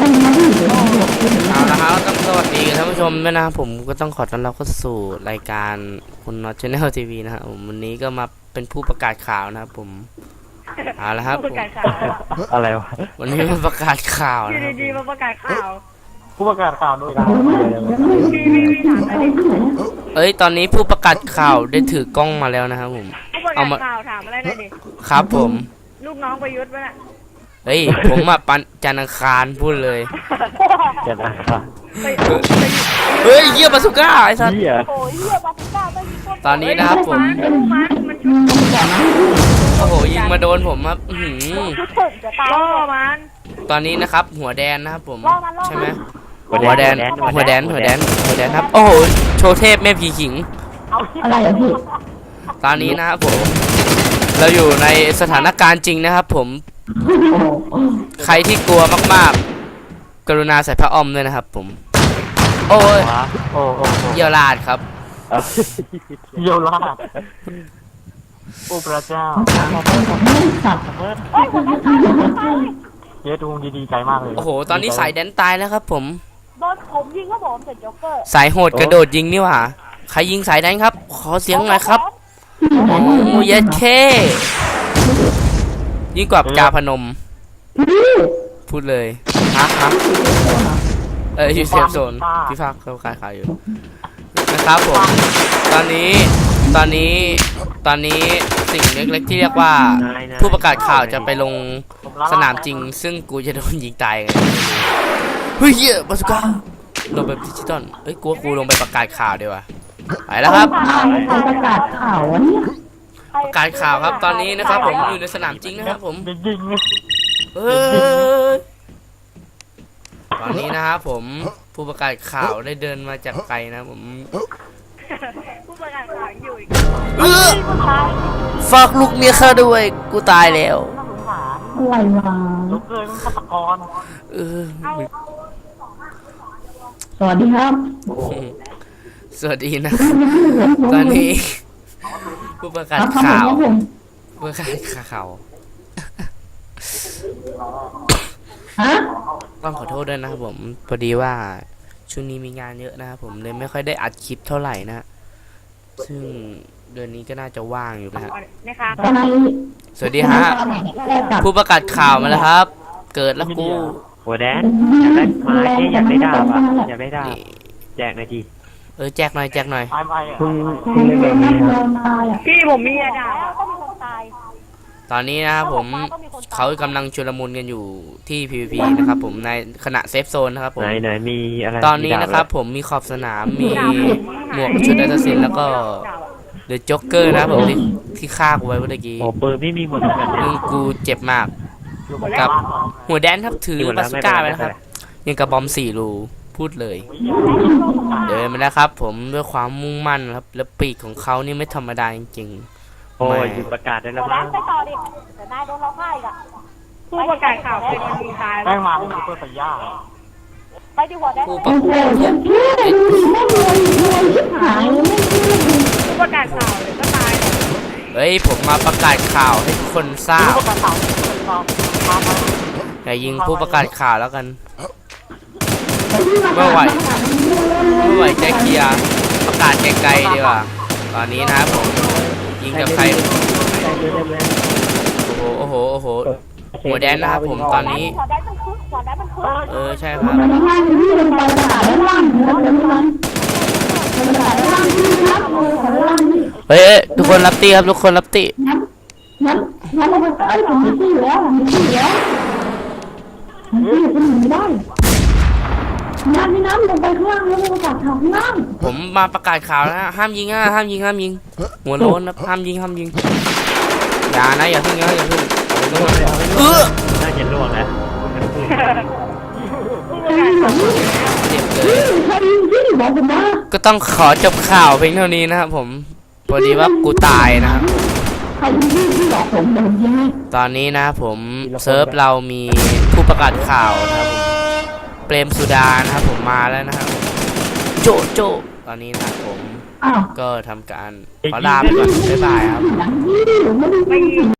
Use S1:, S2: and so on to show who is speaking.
S1: เอาละครับต้องสวัสดีท่านผู้ชมด้วยนะครับผมก็ต้องขอต้อนรับเข้าสู่รายการคุณน็อตชาแนลทีวีนะครับผมวันนี้ก็มาเป็นผู้ประกาศข่าวนะครับผมเอาละครับผม
S2: อะไรวะ
S1: วันนี้มาประกาศข่าว
S3: อยู่
S1: นะครับ
S3: ดีๆมาประกาศข่าว
S2: ผู้ประกาศข่าวด้วยกัน
S3: พี่ถามอะไร
S1: เอ้ยตอนนี้ผู้ประกาศข่าวได้ถือกล้องมาแล้วนะครับผม
S3: ผู้ประกาศข่าวถามอะไรหน่อยดิ
S1: ครับผม
S3: ลูกน้องประยุทธ์ป่ะน่ะ
S1: เฮ้ยผมมาปันจันทร์อังคารพูดเลย
S2: จะได้ค่ะ
S1: เฮ้ยเยี่ยบาสุก้าไอ้สัสตอนนี้นะครับผมโอ้โหยิงมาโดนผมครับ
S3: ล่อมัน
S1: ตอนนี้นะครับหัวแดนนะครับผมใช่ไหมหัวแดนครับโอ้โหโชว์เทพแม่ผีขิง
S4: อะไรอ่ะพี่
S1: ตอนนี้นะครับผมเราอยู่ในสถานการณ์จริงนะครับผมใครที่กลัวมากๆกรุณาใส่ผ้าอ้อมด้วยนะครับผมโอ้ยเยี่ยวลาดครับ
S2: เยี่ยวลาดโอ้พระเจ้าเยอะดูดีใจมากเลย
S1: โอ้โหตอนนี้สายแดนตายแล้วครับผม
S3: โดนผมยิงครับผมเสร็จจ็อกเกอร์
S1: สายโหดกระโดดยิงนี่หว่าใครยิงสายแดนครับขอเสียงหน่อยครับโอ้ยเย็ดเคยิ่งกว่าจาพนมพูดเลยฮะอยู่เซฟโซนพี่ภาคเขาขายอยู่นะครับผมตอนนี้สิ่งเล็กๆที่เรียกว่าผู้ประกาศข่าวจะไปลงสนามจริงซึ่งกูจะโดนยิงตายไงเฮ้ยเหี้ยบาสุก้าลงไปดิจิตอลเอ้ยกูลงไปประกาศข่าวดีกว่าไปแล้วครับ
S4: ประกาศข่าววะเนี่ย
S1: ประกาศข่าวครับตอนนี้นะครับผมอยู่ในสนามจริงนะครับผมตอนนี้นะครับผมผู้ประกาศข่าวได้เดินมาจากไกลนะผม
S3: ผู้ประกาศข่าวอยู่อีก
S1: ฝากลูกเมียข้าด้วยกูตายแล้ว
S4: อะไรวะ
S2: ลูกเอ้ยมันฆาตกร
S4: สวัสดีครับ
S1: สวัสดีนะตอนนี้ผู้ประกาศข่าวต้องขอโทษด้วยนะครับผมพอดีว่าช่วงนี้มีงานเยอะนะครับผมเลยไม่ค่อยได้อัดคลิปเท่าไหร่นะซึ่งเดือนนี้ก็น่าจะว่างอยู่นะฮะสวัสดีฮะผู้ประกาศข่าวมาแล้วครับเกิดแล้วกู
S2: หัวแดนอยากได้ไม้อยากได้ดาบอยากได้ดาบแจกหน่อยที
S1: แจกหน่อย
S2: คุณเล่นแบบนี้
S3: พี่ผมมีดาบก็มีคนตาย
S1: ตอนนี้นะครับผมเขากำลังชุลมุนกันอยู่ที่ PVP นะครับผมในขณะเซฟโซนนะครับผม
S2: ไหนมีอะไร
S1: ตอนนี้นะครับผมมีขอบสนามมีหมวกชุดอัศสินแล้วก็เดอะจ็อกเกอร์นะครับผมที่ฆ่ากูไว้เมื่อกี้
S2: ปืนไม่มีหมดเลย
S1: กูเจ็บมากกับหัวแดนครับถือบาสุก้าไปนะครับยังกระบอม4 รูพูดเลยเดินมาแล้วครับผมด้วยความมุ่งมั่นครับและปีกของเขานี่ไม่ธรรมดาจริง
S2: โอ้ยอยู่ประกาศได้แล้วมั้ง
S3: ไปต่อดิแต่นายโดนเราฆ่าอีกอ่ะผู้ประกาศข่าวเป็นคนยิงตาย
S2: ได้มาเป็นตัวสัญญา
S3: ไปดีกว่าได้ผู้ประกาศข่าวเลยก็ตาย
S1: เฮ้ยผมมาประกาศข่าวให้ทุกคนทราบอย่ายิงผู้ประกาศข่าวแล้วกันไม่ไหวใจเคลียร์ประกาศไกลๆดีกว่าตอนนี้นะครับผมยิงกับใครโอ้โหหัวแดนนะครับผมตอนนี้ใช่ครับเฮ้ยทุกคนรับตีครับทุกคนรับตี
S4: งั้นผมมีที่แล้วไม่ได้น้ำลงไปข้างล่างแล้วประกาศข่าวข้างล่าง
S1: ผมมาประกาศข่าวแล้วห้ามยิงหัวโล้นนะห้ามยิงอย่านะอย่าพึ่งน่า
S2: จะล่วงแล้ว
S1: เจ็บเลยก็ต้องขอจบข่าวเพียงเท่านี้นะครับผมพอดีว่ากูตายนะครับตอนนี้นะผมเซิร์ฟเรามีผู้ประกาศข่าวนะครับผมเปรมสุดานะครับผมมาแล้วนะครับโจตอนนี้นะครับผมก็ทำการขอลาไปก่อนบ๊ายบายครับ